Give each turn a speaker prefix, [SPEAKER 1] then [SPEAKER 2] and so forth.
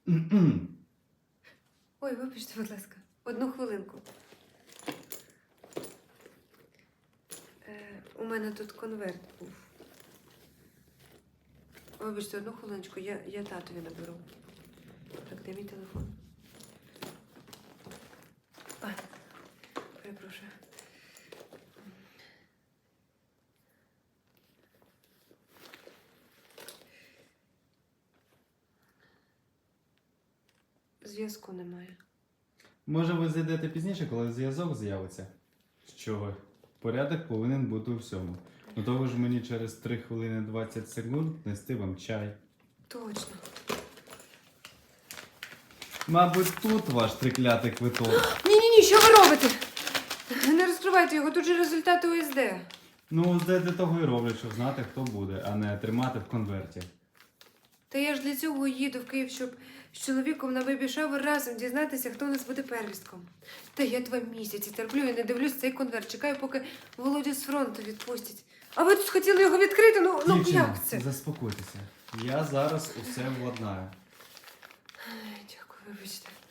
[SPEAKER 1] Ой, вибачте, будь ласка, одну хвилинку. У мене тут конверт був. Вибачте, одну хвилиночку, я татові наберу. Так, де мій телефон? А, перепрошую. Зв'язку немає.
[SPEAKER 2] Може, ви зайдете пізніше, коли зв'язок з'явиться? Що? Порядок повинен бути у всьому. Ну то ви ж мені через 3 хвилини 20 секунд нести вам чай.
[SPEAKER 1] Точно.
[SPEAKER 2] Мабуть, тут ваш триклятий квиток.
[SPEAKER 1] Ні, що ви робите? Не розкривайте його, тут же результати ОСД.
[SPEAKER 2] Ну, для того і роблять, щоб знати, хто буде, а не тримати в конверті.
[SPEAKER 1] Та я ж для цього їду в Київ, щоб з чоловіком на бейбі-шавер разом дізнатися, хто у нас буде первістком. Та я 2 місяці терплю і не дивлюсь цей конверт. Чекаю, поки Володю з фронту відпустять. А ви тут хотіли його відкрити? Ну
[SPEAKER 2] Дівчина,
[SPEAKER 1] як це?
[SPEAKER 2] заспокойтеся. Я зараз усе владнаю.
[SPEAKER 1] Дякую, вибачте.